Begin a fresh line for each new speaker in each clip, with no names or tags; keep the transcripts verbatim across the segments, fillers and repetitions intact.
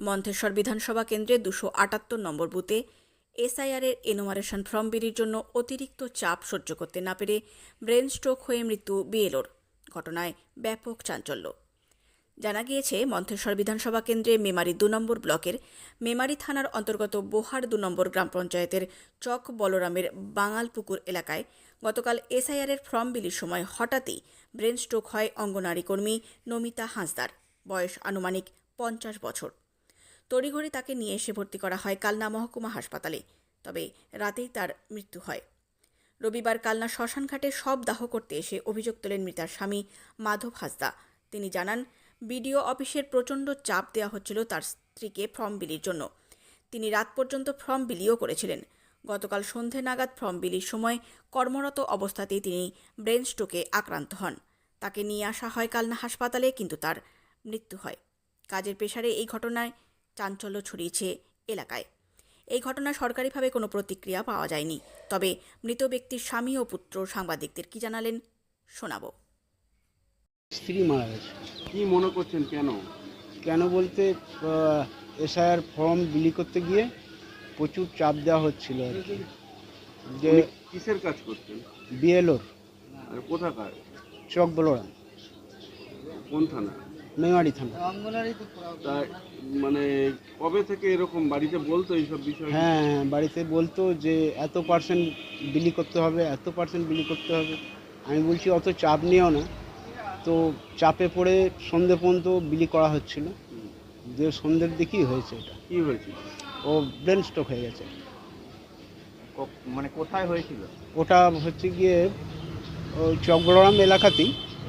মন্থেশ্বর বিধানসভা কেন্দ্রে দুশো আটাত্তর নম্বর বুথে এসআইআরের এনুমারেশন ফর্ম বিলির জন্য অতিরিক্ত চাপ সহ্য করতে না পেরে ব্রেন স্ট্রোক হয়ে মৃত্যু বিএলওর। ঘটনায় ব্যাপক চাঞ্চল্য। জানা গিয়েছে, মন্থেশ্বর বিধানসভা কেন্দ্রে মেমারি দু নম্বর ব্লকের মেমারি থানার অন্তর্গত বোহার দু নম্বর গ্রাম পঞ্চায়েতের চক বলরামের বাঙালপুকুর এলাকায় গতকাল এসআইআরের ফর্ম বিলির সময় হঠাৎই ব্রেন স্ট্রোক হয় অঙ্গনারী কর্মী নমিতা হাঁসদার। বয়স আনুমানিক পঞ্চাশ বছর। তড়িঘড়ি তাকে নিয়ে এসে ভর্তি করা হয় কালনা মহকুমা হাসপাতালে। তবে রাতেই তার মৃত্যু হয়। রবিবার কালনা শ্মশানঘাটে শব দাহ করতে এসে অভিযোগ তোলেন মৃতার স্বামী মাধব হাঁসদা। তিনি জানান, বিডিও অফিসের প্রচণ্ড চাপ দেওয়া হচ্ছিল তার স্ত্রীকে ফর্ম বিলির জন্য। তিনি রাত পর্যন্ত ফর্ম বিলিও করেছিলেন। গতকাল সন্ধে নাগাদ ফর্ম বিলির সময় কর্মরত অবস্থাতেই তিনি ব্রেন স্ট্রোকে আক্রান্ত হন। তাকে নিয়ে আসা হয় কালনা হাসপাতালে, কিন্তু তার মৃত্যু হয়। কাজের প্রেসারে এই ঘটনায় চাঞ্চল্য ছড়িয়েছে এলাকায়। এই ঘটনায় সরকারিভাবে কোনো প্রতিক্রিয়া পাওয়া যায়নি। তবে মৃত ব্যক্তির স্বামী ও পুত্র সাংবাদিকদের কি জানালেন শোনাবো।
স্ত্রী মারা গেছে।
কি মনে করছেন কেন?
কেন বলতে এসআইআর ফর্ম বিলি করতে গিয়ে প্রচুর চাপ দেওয়া হচ্ছিল আর কি। যে
উনি কিসের কাজ করতেন?
বিএলওর
আর কোথাকার?
চক বলরাম,
কোন থানা?
মেমারি থানা।
তা মানে কবে থেকে এরকম বাড়িতে বলতো এইসব বিষয়?
হ্যাঁ হ্যাঁ বাড়িতে বলতো যে এত পার্সেন্ট বিলি করতে হবে, এত পার্সেন্ট বিলি করতে হবে। আমি বলছি অত চাপ নিও না। তো চাপে পড়ে সন্ধে পর্যন্ত বিলি করা হচ্ছিল। যে সন্ধ্যের দিকেই হয়েছে এটা।
কি হয়েছিল?
ও ব্রেন স্ট্রোক হয়ে গেছে।
মানে কোথায় হয়েছিল?
ওটা হচ্ছে গিয়ে ওই চক বলরাম এলাকাতেই,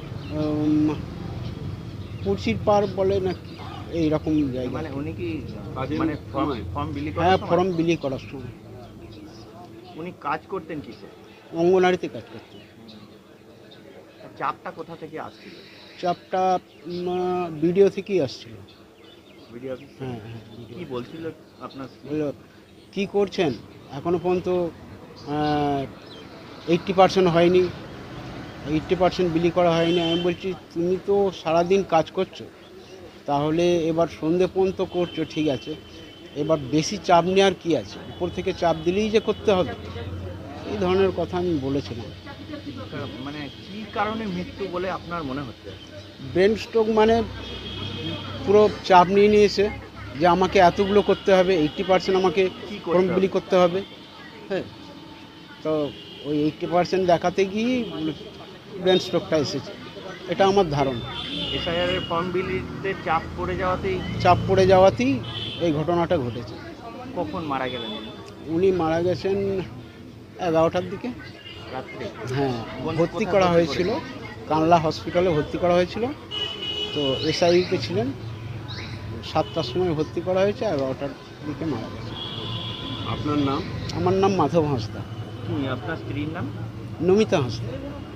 কুর্সির পার বলে না এইরকম জায়গা।
মানে উনি কি
কাজের
মানে ফর্ম
সময়?
ফর্ম বিলি
হ্যাঁ,
করার সময়
ফর্ম বিলি করার সময়
উনি কাজ করতেন কিসে?
অঙ্গনারীতে কাজ করতে।
চাপটা কোথা থেকে আসছিল?
চাপটা ভিডিও থেকেই আসছিল।
Video office?
হ্যাঁ হ্যাঁ
কি বলছিল আপনার স্ত্রী?
বললো কী করছেন, এখনও পর্যন্ত এইট্টি পার্সেন্ট হয়নি, এইট্টি পার্সেন্ট বিলি করা হয়নি। আমি বলছি তুমি তো সারাদিন কাজ করছো, তাহলে এবার সন্ধে পর্যন্ত করছো ঠিক আছে, এবার বেশি চাপ নেওয়ার কী আছে, উপর থেকে চাপ দিলেই যে করতে হবে, এই ধরনের কথা আমি বলেছিলাম।
মানে কি কারণে মৃত্যু বলে আপনার মনে হচ্ছে?
ব্রেন স্ট্রোক মানে পুরো চাপ নিয়ে নিয়েছে যে আমাকে এতগুলো করতে হবে, এইট্টি পার্সেন্ট আমাকে
কি
ফর্ম
করতে
বিলি
হবে?
করতে হবে। হ্যাঁ, তো ওই এইট্টি পার্সেন্ট দেখাতে গিয়ে ব্রেন স্ট্রোকটা এসেছে, এটা আমার ধারণা।
এসআইআর এর ফর্ম বিলিতে চাপ পড়ে যাওয়াতেই
চাপ পড়ে যাওয়াতেই এই ঘটনাটা ঘটেছে।
কখন মারা গেলেন উনি?
উনি মারা গেছেন এগারোটার দিকে।
রাত্রে?
হ্যাঁ,
কোন-
ভর্তি
কোথায়
করা
ভর্তি
হয়েছিল, কানলা হসপিটালে ভর্তি করা হয়েছিল। তো এসআইতে ছিলেন, সাতটার সময় ভর্তি করা হয়েছে, এগারোটার দিকে মারা গেছে।
আপনার নাম?
আমার নাম মাধব হাঁসদা।
কি আপনার স্ত্রীর নাম?
নমিতা হাঁসদা।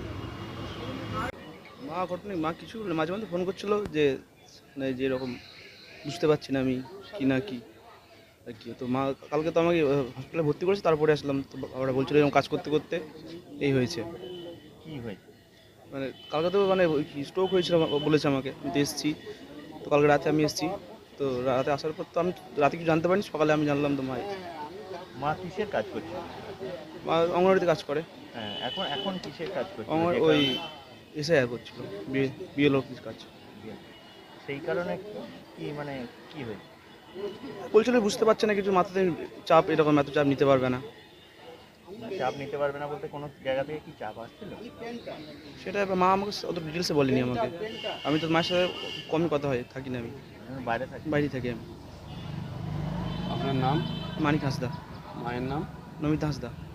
মা ঘটনা মা কিছু মাঝে মাঝে ফোন করছিল যে মানে যে এরকম বুঝতে পারছি না আমি কি না কি আর কি। তো মা কালকে তো আমাকে হসপিটালে ভর্তি করেছে, তারপরে আসলাম। তো বাবারা বলছিল এরকম কাজ করতে করতে এই হয়েছে।
কি হয়েছে?
মানে কালকে তো মানে স্ট্রোক হয়েছিল বলেছে আমাকে, আমি তো এসেছি। তো কালকে রাতে আমি এসেছি, তো রাতে আসার পর তো আমি রাতে কিছু জানতে পারিনি, সকালে আমি জানলাম তো মা
মা কিসের কাজ করছে?
মা অঙ্গনওয়াড়িতে কাজ করে।
হ্যাঁ, এখন এখন কিসের কাজ করছে?
আমার
যে
ওই
কারণে-
এসআইআর করছিল, বিএলও অফিস কাজ।
সেই কারণে কি মানে কি হয়েছে?
বলছিল বুঝতে পারছে না কিছু, মাথাতে চাপ, এরকম এত চাপ নিতে পারবে না।
চাপ নিতে পারবে না বলতে কোনো জায়গা থেকে কি চাপ আসছিল?
সেটা এবার মা আমাকে অত ডিটেলসে বলেনি আমাকে। আমি তো মায়ের সাথে কমই কথা হয়, থাকি না, আমি
আমি বাইরে থাকি।
বাইরে থাকি। আমি
আপনার নাম?
মানিক হাঁসদা,
মায়ের নাম?
নমিতা হাঁসদা।